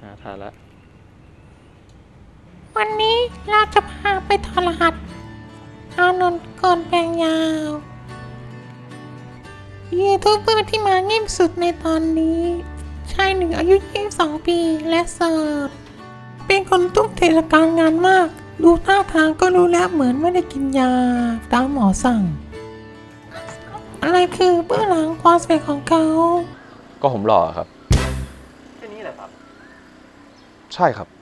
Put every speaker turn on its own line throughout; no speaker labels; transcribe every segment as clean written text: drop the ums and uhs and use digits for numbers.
ทานละ
วันนี้เราจะพาไปถอดรหัสอานนท์ก่อนแปลงยาวยูทูบเบอร์ที่มาเงียบสุดในตอนนี้ชายหนึ่งอายุ 22 ปีและโสดเป็นคนทุ่มเทกับการงานมาก ดูท่าทางก็รู้แล้วเหมือนไม่ได้กินยาตามหมอสั่ง อะไรคือเบื้องหลังความสำเร็จของเขา
ก็ผมหล่อครับ
แค่นี้แหละครับ
ใช่ครับ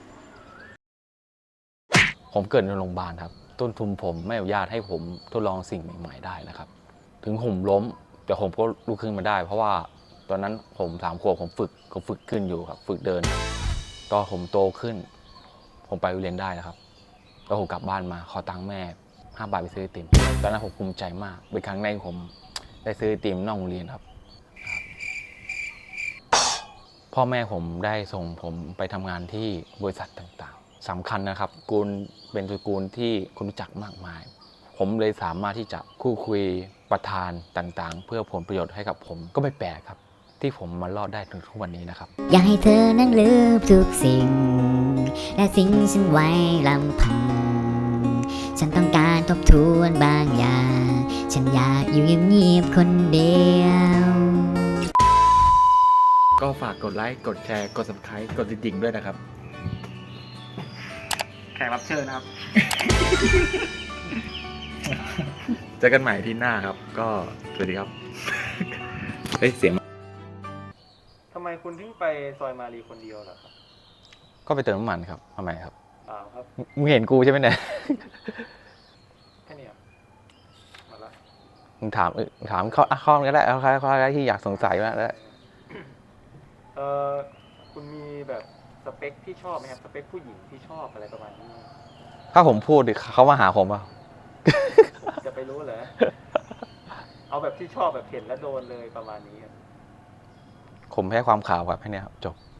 ผมเกิดในโรงพยาบาลครับต้นทุนผมไม่อนุญาตให้ผมทดลองสิ่งใหม่ๆได้นะครับ ถึงผมล้มแต่ผมก็ลุกขึ้นมาได้ เพราะว่าตอนนั้นผม3 ขวบผมฝึกขึ้นอยู่ครับ ฝึกเดินตอนผมโตขึ้น ผมไปเรียนได้นะครับแล้วผมกลับบ้านมาขอตังค์แม่5 บาทไปซื้อไอติมตอนนั้นผมภูมิใจมากเป็นครั้งแรกที่ผมได้ซื้อไอติมนอกโรงเรียนครับ พ่อแม่ผมได้ส่งผมไปทำงานที่บริษัทต่างๆสำคัญนะครับกูลเป็นตระกูลที่คนรู้จักมากมาย ผมเลยสามารถที่จะคู่คุยประธานต่างๆ เพื่อผลประโยชน์ให้กับผมก็ไม่แปลกครับ ที่ผมมารอดได้ถึงทุกวันนี้นะครับ
อยากให้เธอนั้นลืมทุกสิ่ง และสิ่งฉันไว้ลำพัง ฉันต้องการทบทวนบางอย่าง ฉันอยากอยู่เงียบๆคนเดียว
ก็ฝากกดไลค์กดแชร์กด Subscribe กดติดดิ่งด้วยนะครับ
แขกรับเชิญนะครับ
เจอกันใหม่ที่หน้าครับ ก็สวัสดีครับ เฮ้ยเสียง
ทำไมคุณถึงไปซอยมารีคนเดียวล่ะครับ
ก็ไปเติมน้ำมันครับทำไมครับ
เปล่าครับ
มึงเห็นกูใช่ไหมเนี่ย
แค่นี้ครับหมดละ
มึงถามข้อก็ได้เอาข้อแรกที่อยากสงสัยมาแล้ว
เออคุณมีแบบสเปคที่ชอบไหมครับ สเปคผู้หญิงที่ชอบอะไรประมาณนี้
ถ้าผมพูดเขามาหาผมอ่ะ
จะไปรู้เหรอ เอาแบบที่ชอบแบบเห็นแล้วโดนเลยประมาณนี้ครับ
ผมแพ้ความขาวครับแค่นี้ครับจบ